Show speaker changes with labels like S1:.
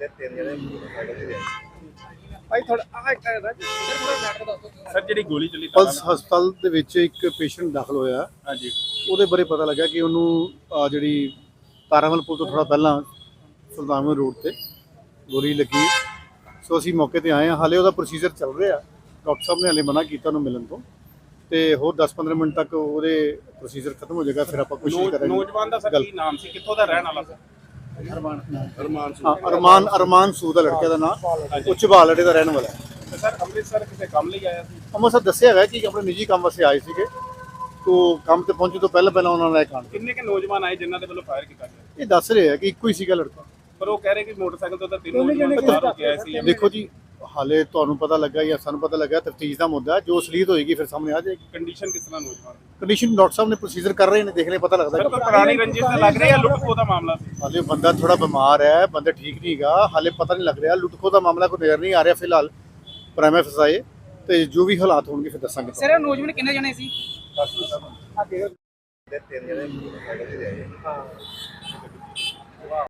S1: ਤੇ ਤਿੰਨ ਜਣੇ ਮੋਟਰਸਾਈਕਲ ਤੇ ਆਏ।
S2: ਭਾਈ ਥੋੜਾ ਆਹ ਇੱਕ ਸਰ ਥੋੜਾ ਮੈਟਰ ਦੱਸੋ।
S3: ਸਰ ਜਿਹੜੀ ਗੋਲੀ ਚੱਲੀ
S4: ਪਲਸ ਹਸਪਤਾਲ ਦੇ ਵਿੱਚ ਇੱਕ ਪੇਸ਼ੈਂਟ ਦਾਖਲ ਹੋਇਆ।
S3: ਹਾਂਜੀ
S4: ਉਹਦੇ ਬਾਰੇ ਪਤਾ ਲੱਗਾ ਕਿ ਉਹਨੂੰ ਜਿਹੜੀ ਤਾਰਾਮਲ ਪੁਲ ਤੋਂ ਥੋੜਾ ਪਹਿਲਾਂ ਸੁਲਤਾਨਪੁਰ ਰੋਡ ਤੇ ਗੋਲੀ ਲੱਗੀ। ਸੋ ਅਸੀਂ ਮੌਕੇ ਤੇ ਆਏ ਹਾਂ। ਹਾਲੇ ਉਹਦਾ ਪ੍ਰੋਸੀਜਰ ਚੱਲ ਰਿਹਾ। ਡਾਕਟਰ ਸਾਹਿਬ ਨੇ ਹਾਲੇ ਮਨਾ ਕੀਤਾ ਉਹਨੂੰ ਮਿਲਣ ਤੋਂ, ਤੇ ਹੋਰ 10-15 ਮਿੰਟ ਤੱਕ ਉਹਦੇ ਪ੍ਰੋਸੀਜਰ ਖਤਮ ਹੋ ਜਾਏਗਾ। ਫਿਰ ਆਪਾਂ ਕੋਸ਼ਿਸ਼ ਕਰਾਂਗੇ।
S3: ਨੌਜਵਾਨ ਦਾ ਸਰ ਕੀ ਨਾਮ ਸੀ, ਕਿੱਥੋਂ ਦਾ ਰਹਿਣ ਵਾਲਾ ਸੀ?
S4: ਅਰਮਾਨ ਸੂਦ ਦਾ ਲੜਕੇ ਦਾ ਨਾਮ, ਉਹ ਝਬਾਲ ਅੱਡੇ ਦਾ ਰਹਿਣ ਵਾਲਾ ਹੈ।
S3: ਤੇ ਸਰ ਅੰਮ੍ਰਿਤਸਰ ਕਿਸੇ ਕੰਮ ਲਈ ਆਇਆ ਸੀ?
S4: ਅੰਮ੍ਰਿਤਸਰ ਦੱਸਿਆ ਹੈਗਾ ਕਿ ਆਪਣੇ ਨਿੱਜੀ ਕੰਮ ਵਾਸਤੇ ਆਏ ਸੀਗੇ। ਤੋ ਕੰਮ ਤੇ ਪਹੁੰਚੇ ਤੋਂ ਪਹਿਲਾਂ ਉਹਨਾਂ ਨਾਲ ਇਹ ਕਾਂਡ।
S3: ਕਿੰਨੇ ਕੇ ਨੌਜਵਾਨ ਆਏ ਜਿਨ੍ਹਾਂ ਦੇ ਵੱਲੋਂ ਫਾਇਰ ਕੀਤਾ ਗਿਆ?
S4: ਇਹ ਦੱਸ ਰਹੇ ਆ ਕਿ ਇੱਕੋ ਹੀ ਸੀਗਾ ਲੜਕਾ।
S3: ਪਰ ਉਹ ਕਹਿ ਰਹੇ ਕਿ ਮੋਟਰਸਾਈਕਲ ਤੋਂ ਤਾਂ ਤਿੰਨ ਨੌਜਵਾਨ ਬਾਹਰ ਹੋ ਕੇ ਆਏ ਸੀ।
S4: ਦੇਖੋ ਜੀ, ਹਾਲੇ ਤੁਹਾਨੂੰ ਪਤਾ ਲੱਗਾ ਜਾਂ ਸਾਨੂੰ ਪਤਾ ਲੱਗਾ, ਤਫਤੀਸ਼ ਦਾ ਮੁੱਦਾ ਜੋ ਅਸਲੀਅਤ ਹੋਏਗੀ ਫਿਰ ਸਾਹਮਣੇ ਆ ਜਾਏਗੀ।
S3: ਕੰਡੀਸ਼ਨ ਕਿਸ ਤਰ੍ਹਾਂ ਨੌਜਵਾਨ ਦੀ?
S4: ਕੰਡੀਸ਼ਨ ਡਾਕਟਰ ਸਾਹਿਬ ਨੇ ਪ੍ਰੋਸੀਜਰ ਕਰ ਰਹੇ ਨੇ, ਦੇਖ ਲੈ ਪਤਾ ਲੱਗਦਾ।
S3: ਸਰ ਕੋਈ ਪੁਰਾਣੀ ਰੰਜਿਸ਼ ਤਾਂ ਲੱਗ ਰਹੀ ਹੈ, ਲੁੱਟ ਖੋਹ ਦਾ ਮਾਮਲਾ ਸੀ?
S4: ਹਾਲੇ ਬੰਦਾ ਥੋੜਾ ਬਿਮਾਰ ਹੈ, ਬੰਦਾ ਠੀਕ ਨਹੀਂ ਹੈਗਾ, ਹਾਲੇ ਪਤਾ ਨਹੀਂ ਲੱਗ ਰਿਹਾ। ਲੁੱਟ ਖੋਹ ਦਾ ਮਾਮਲਾ ਕੋਈ ਨਜ਼ਰ ਨਹੀਂ ਆ ਰਿਹਾ ਫਿਲਹਾਲ। ਪ੍ਰਾਈਮ ਫਸਾਏ ਤੇ ਜੋ ਵੀ ਹਾਲਾਤ ਹੋਣਗੇ ਫਿਰ ਦੱਸਾਂਗੇ।
S2: ਸਰ ਨੌਜਵਾਨ ਕਿੰਨੇ ਜਣੇ ਸੀ?
S1: ਤੇ ਤਿੰਨ ਜਣੇ ਮੋਟਰਸਾਈਕਲ ਤੇ ਆਏ।